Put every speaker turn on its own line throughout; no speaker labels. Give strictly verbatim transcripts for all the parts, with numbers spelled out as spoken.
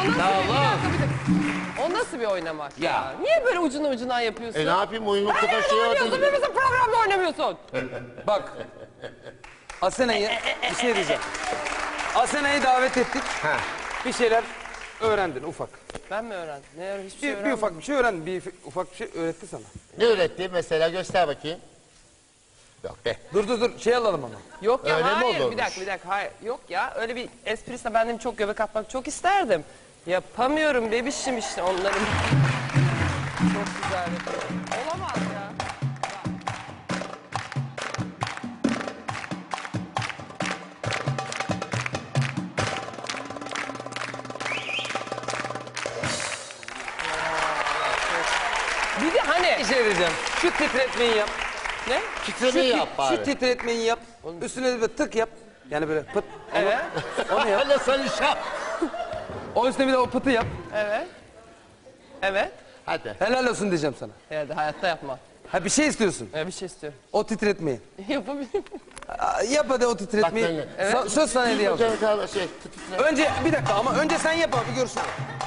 nasıl
Ya
bir, bir
Allah.
dakika, bir dakika. O nasıl bir oynamak ya?
Ya.
Niye böyle ucuna ucuna yapıyorsun?
E ne yapayım oyun noktada
Nerede
şey
oynuyorsun?
oldu.
Bir bizim programda oynamıyorsun.
Bak. Asena'yı bir şey diyeceğim. Asena'yı davet ettik.
Ha.
Bir şeyler öğrendin ufak.
Ben mi öğrendim? Ne öğrendim? Hiçbir şey
Bir, bir
öğrenmedim.
ufak bir şey öğrendin. Bir ufak bir şey öğretti sana.
Ne öğretti mesela göster bakayım. Yok be.
Dur dur dur şey alalım ama.
Yok ya
Öyle mi
hayır
olurmuş?
bir dakika bir dakika hayır. Yok ya öyle bir esprisine ben de çok göbek atmak çok isterdim. Yapamıyorum bebişim işte onların. Çok güzel yapıyorum. Olamaz ya. Bir de hani
Bir şey diyeceğim. Şu titretmeyi yap.
ne?
Titremeyi
Şu,
yap
tit-
bari.
şu titretmeyi yap. Üstüne de böyle tık yap. Yani böyle pıt.
Evet.
Onu yap.
Öyle sen iş yap.
O üstüne bir de o pıtı yap.
Evet. Evet.
Hadi.
Helal olsun diyeceğim sana.
Evet hayatta yapma.
Ha bir şey istiyorsun.
Evet bir şey istiyorum.
O titretmeyi.
Yapabilirim.
Aa, Yap hadi o titretmeyi.
Bak ben-
Sö- söz sana hediye alacağım.
Hocam şey titre.
Önce bir dakika ama önce sen yap abi görsün.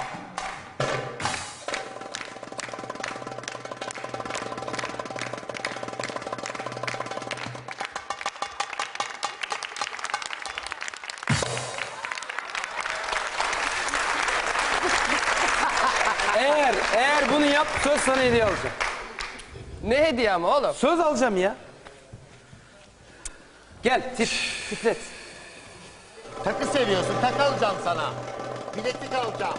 Eğer eğer bunu yap söz sana hediye alacağım.
Ne hediye ama oğlum?
Söz alacağım ya. Gel tit, titret.
Takı seviyorsun. Takı alacağım sana. Bileklik alacağım.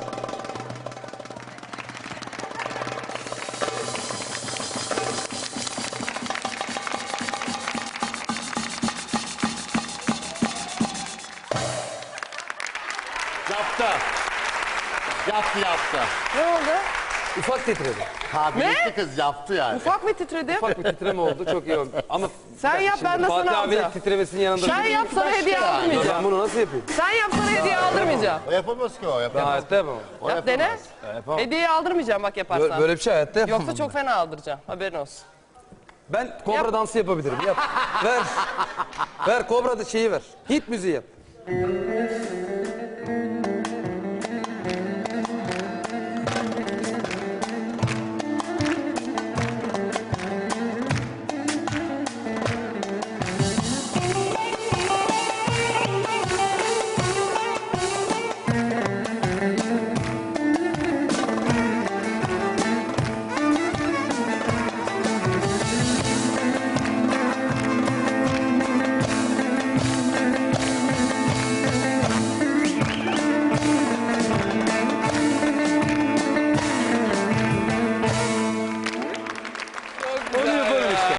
Yaptı. Yaptı yaptı.
Ne oldu?
Ufak titredi.
Ha bilekli kız yaptı yani.
Ufak mı titredim?
Ufak bir titreme oldu çok iyi oldu. Ama
Sen yap ben de
Fatih
sana
abinin
alacağım.
titremesinin yanında.
Sen yap sana hediye
ya.
Ben
aldırmayacağım.
bunu nasıl yapayım?
Sen yap sana hediye aldırmayacağım.
O yapamaz ki o
Ben
yapamaz.
hayatta yapamam.
O
Yap
yapamaz.
dene.
Yapamam.
Hediye aldırmayacağım bak yaparsan.
Böyle, böyle bir şey hayatta yapamam.
Yoksa çok fena aldıracağım. Haberin olsun.
Ben kobra
Yap.
dansı yapabilirim. Yap. Ver. Ver kobra da şeyi ver. Hit müziği yap.